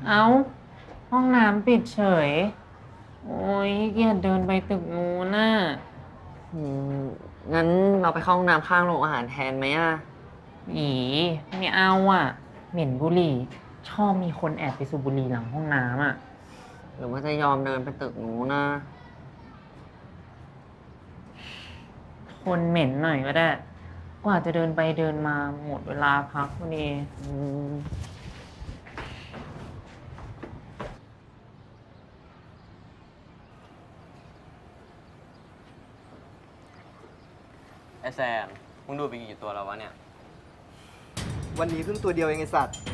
เอ้าห้องน้ำปิดเฉยโอ้ยเกียจเดินไปตึกนู้นน่ะอืมงั้นเราไปเข้าห้องน้ำข้างโรงอาหารแทนไหมอ่ะอีไม่เอาอ่ะเหม็นบุหรี่ชอบมีคนแอบไปสูบบุหรี่หลังห้องน้ำอ่ะหรือว่าจะยอมเดินไปตึกนู้นนะทนเหม็นหน่อยก็ได้กว่าจะเดินไปเดินมาหมดเวลาพักพอดีอืมไอแซมมึงดูไปกี่ตัวแล้ววะเนี่ยวันนี้เพิ่งตัวเดียวเองไอสัตว์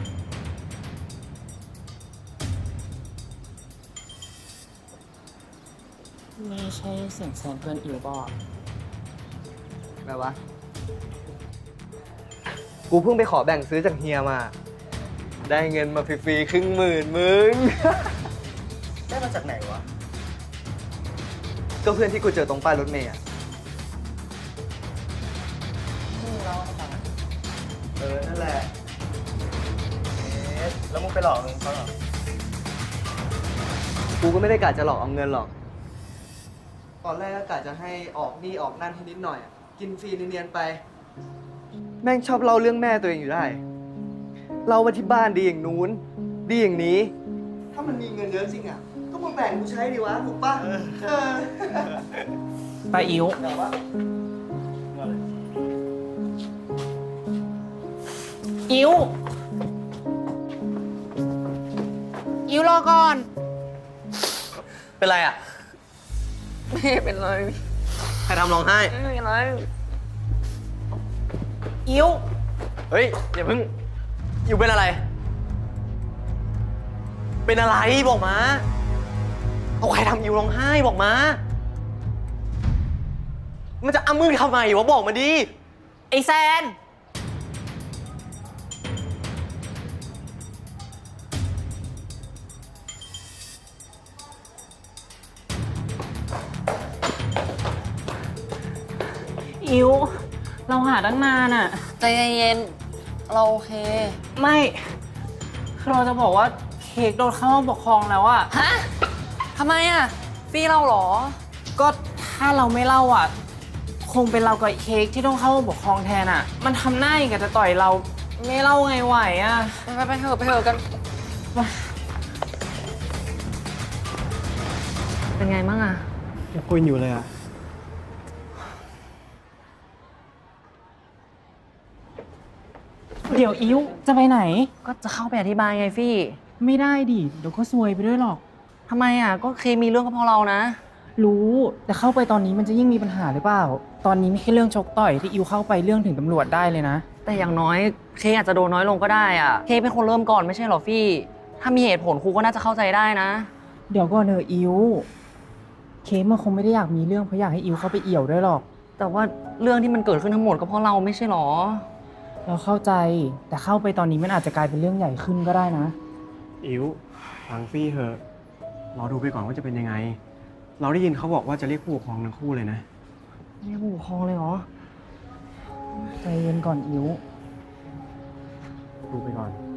นี่ใช่เสียงแซมเพื่อนอิวบอกแบบวะ กูเพิ่งไปขอแบ่งซื้อจากเฮียมา ได้เงินมาฟรีๆ100,000มึง ได้มาจากไหนวะ ก็เพื่อนที่กูเจอตรงป้ายรถเมล์อะนั่นแหละแล้วมึงไปหลอกเงินเขาเหรอ กูก็ไม่ได้กะจะหลอกเอาเงินหรอก ตอนแรกก็กะจะให้ออกนี่ออกนั่นให้นิดหน่อย กินฟรีเนียนๆไป แม่งชอบเล่าเรื่องแม่ตัวเองอยู่ได้ เล่าว่าที่บ้านดีอย่างนู้น ดีอย่างนี้ ถ้ามันมีเงินเยอะจริงอ่ะ ก็มาแบ่งกูใช้ดีวะ ถูกป่ะป้าอิวแต่ว่าอิวอิวรอก่อนเป็นไรอ่ะ ไม่เป็นไร ใครทำร้องไห้ ไม่เป็นไรอิวเฮ้ย อย่าเพิ่ง อยู่เป็นอะไร เป็นอะไรบอกมา เอาใครทำอยู่ร้องไห้บอกมา มันจะอ้ามือทำไมวะบอกมาดิไอแซนอิวเราหาตั้งนานอ่ะใจเย็นๆเราโอเคไม่คือเราจะบอกว่าเค้กโดนเข้าห้องปกครองแล้วอะฮะ ทำไมอ่ะฟี่เราเหรอก็ถ้าเราไม่เล่าอะคงเป็นเรากับเค้กที่ต้องเข้าห้องปกครองแทนอะมันทำหน้าอย่างกับจะต่อยเราไม่เล่าไงไหวอะไปเถอะไปเถอะกัน เป็นไงบ้างอ่ะยังคุยอยู่เลยอ่ะเดี๋ยวอิวจะไปไหนก็จะเข้าไปอธิบายไงฟี่ไม่ได้ดิเดี๋ยวก็ซวยไปด้วยหรอกทำไมอ่ะ ก็เคมีเรื่องก็เพราะเรานะรู้แต่เข้าไปตอนนี้มันจะยิ่งมีปัญหาหรือเปล่า ตอนนี้ไม่ใช่เรื่องชกต่อยที่อิวเข้าไปเรื่องถึงตำรวจได้เลยนะแต่อย่างน้อยเคอาจจะโดนน้อยลงก็ได้อ่ะ เคเป็นคนเริ่มก่อนไม่ใช่เหรอฟี่ ถ้ามีเหตุผลครูก็น่าจะเข้าใจได้นะเดี๋ยวก่อนเนอะอิวเคกมันคงไม่ได้อยากมีเรื่องเพราะอยากให้อิวเข้าไปเอี่ยวด้วยหรอกแต่ว่าเรื่องที่มันเกิดขึ้นทั้งหมดก็เพราะเราไม่ใช่หรอเราเข้าใจแต่เข้าไปตอนนี้มันอาจจะกลายเป็นเรื่องใหญ่ขึ้นก็ได้นะอิ๋วฟังฟี่เถอะรอดูไปก่อนว่าจะเป็นยังไง เราได้ยินเขาบอกว่าจะเรียกผู้ปกครองทั้งคู่เลยนะเรียกผู้ปกครองเลยเหรอใจเย็นก่อนอิวดูไปก่อน